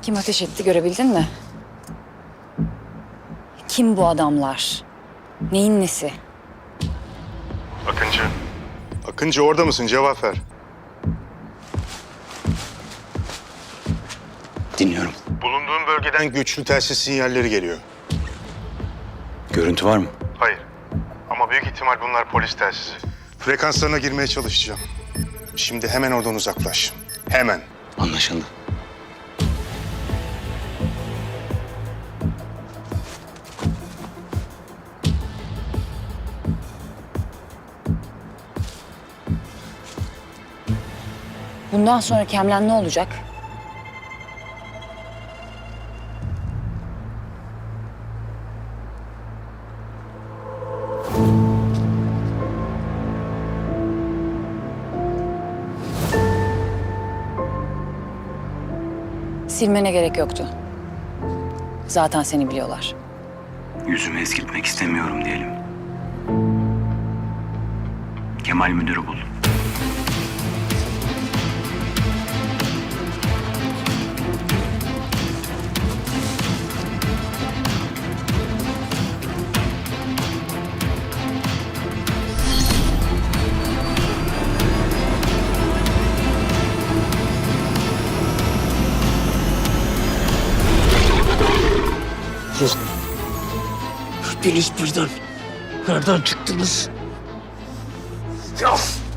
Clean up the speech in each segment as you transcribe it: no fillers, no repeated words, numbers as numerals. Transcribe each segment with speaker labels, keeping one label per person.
Speaker 1: Kim ateş etti görebildin mi? Kim bu adamlar? Neyin nesi?
Speaker 2: Akıncı. Akıncı orada mısın? Cevap ver.
Speaker 3: Dinliyorum.
Speaker 2: Bulunduğun bölgeden güçlü telsiz sinyalleri geliyor.
Speaker 3: Görüntü var mı?
Speaker 2: Hayır. Ama büyük ihtimal bunlar polis telsizi. Frekanslarına girmeye çalışacağım. Şimdi hemen oradan uzaklaş. Hemen.
Speaker 3: Anlaşıldı.
Speaker 1: Bundan sonra Kemlen ne olacak? Silmene gerek yoktu. Zaten seni biliyorlar.
Speaker 3: Yüzümü eskiltmek istemiyorum diyelim. Kemal müdürü bul.
Speaker 4: Hepiniz birden nereden çıktınız? Ya!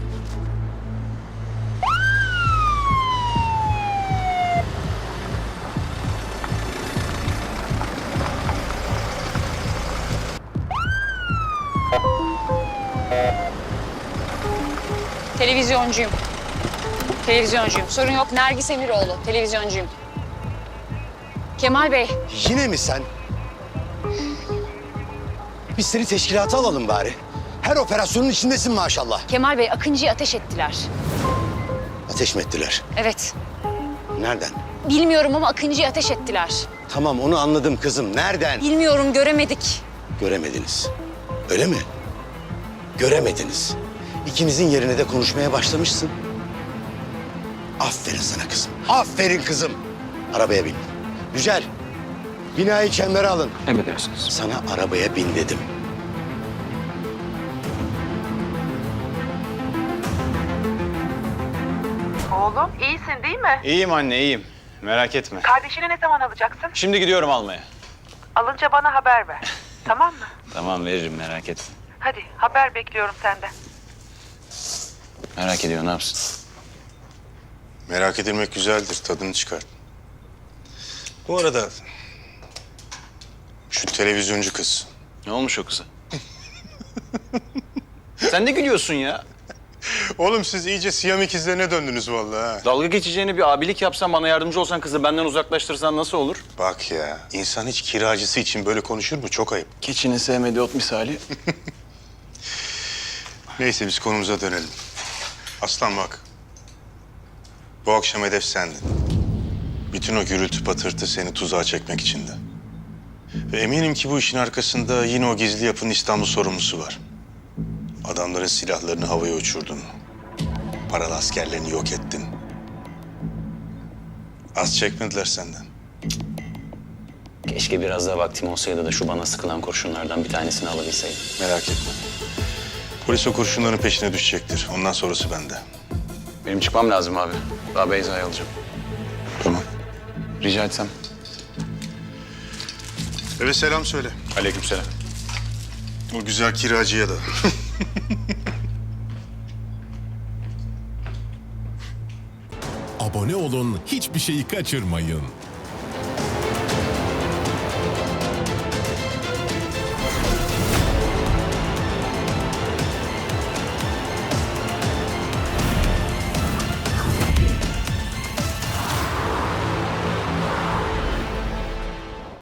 Speaker 1: Televizyoncuyum. Televizyoncuyum. Sorun yok. Nergis Emiroğlu. Televizyoncuyum. Kemal Bey.
Speaker 5: Yine mi sen? Biz seni teşkilata alalım bari. Her operasyonun içindesin maşallah.
Speaker 1: Kemal Bey, Akıncı'yı ateş ettiler.
Speaker 5: Ateş mi ettiler?
Speaker 1: Evet.
Speaker 5: Nereden?
Speaker 1: Bilmiyorum ama Akıncı'yı ateş ettiler.
Speaker 5: Tamam onu anladım kızım. Nereden?
Speaker 1: Bilmiyorum, göremedik.
Speaker 5: Göremediniz. Öyle mi? Göremediniz. İkimizin yerine de konuşmaya başlamışsın. Aferin sana kızım. Aferin kızım. Arabaya bin. Yücel, binayı çembere alın.
Speaker 3: Emredersiniz.
Speaker 5: Sana arabaya bin dedim.
Speaker 6: Oğlum iyisin değil mi?
Speaker 7: İyiyim anne, iyiyim. Merak etme.
Speaker 6: Kardeşini ne zaman alacaksın?
Speaker 7: Şimdi gidiyorum almaya.
Speaker 6: Alınca bana haber ver. Tamam mı?
Speaker 7: Tamam, veririm, merak etme.
Speaker 6: Hadi haber bekliyorum senden.
Speaker 7: Merak ediyor, ne yapsın?
Speaker 2: Merak edilmek güzeldir. Tadını çıkar. Bu arada şu televizyoncu kız.
Speaker 7: Ne olmuş o kıza? Sen de gülüyorsun ya.
Speaker 2: Oğlum siz iyice Siyam ikizlerine döndünüz vallahi ha.
Speaker 7: Dalga geçeceğini bir abilik yapsan, bana yardımcı olsan, kızı benden uzaklaştırsan nasıl olur?
Speaker 2: Bak ya, insan hiç kiracısı için böyle konuşur mu? Çok ayıp.
Speaker 7: Keçinin sevmediği ot misali.
Speaker 2: Neyse biz konumuza dönelim. Aslan bak. Bu akşam hedef sendin. Bütün o gürültü patırtı seni tuzağa çekmek içindi. Ve eminim ki bu işin arkasında yine o gizli yapının İstanbul sorumlusu var. Adamların silahlarını havaya uçurdun. Paralı askerlerini yok ettin. Az çekmediler senden.
Speaker 3: Keşke biraz daha vaktim olsaydı da şu bana sıkılan kurşunlardan bir tanesini alabilseydim.
Speaker 2: Merak etme. Polis o kurşunların peşine düşecektir. Ondan sonrası bende.
Speaker 7: Benim çıkmam lazım abi. Daha Beyza'yı alacağım.
Speaker 2: Tamam.
Speaker 7: Rica etsem.
Speaker 2: Eve selam söyle.
Speaker 7: Aleykümselam.
Speaker 2: O güzel kiracıya da.
Speaker 8: Abone olun, hiçbir şeyi kaçırmayın.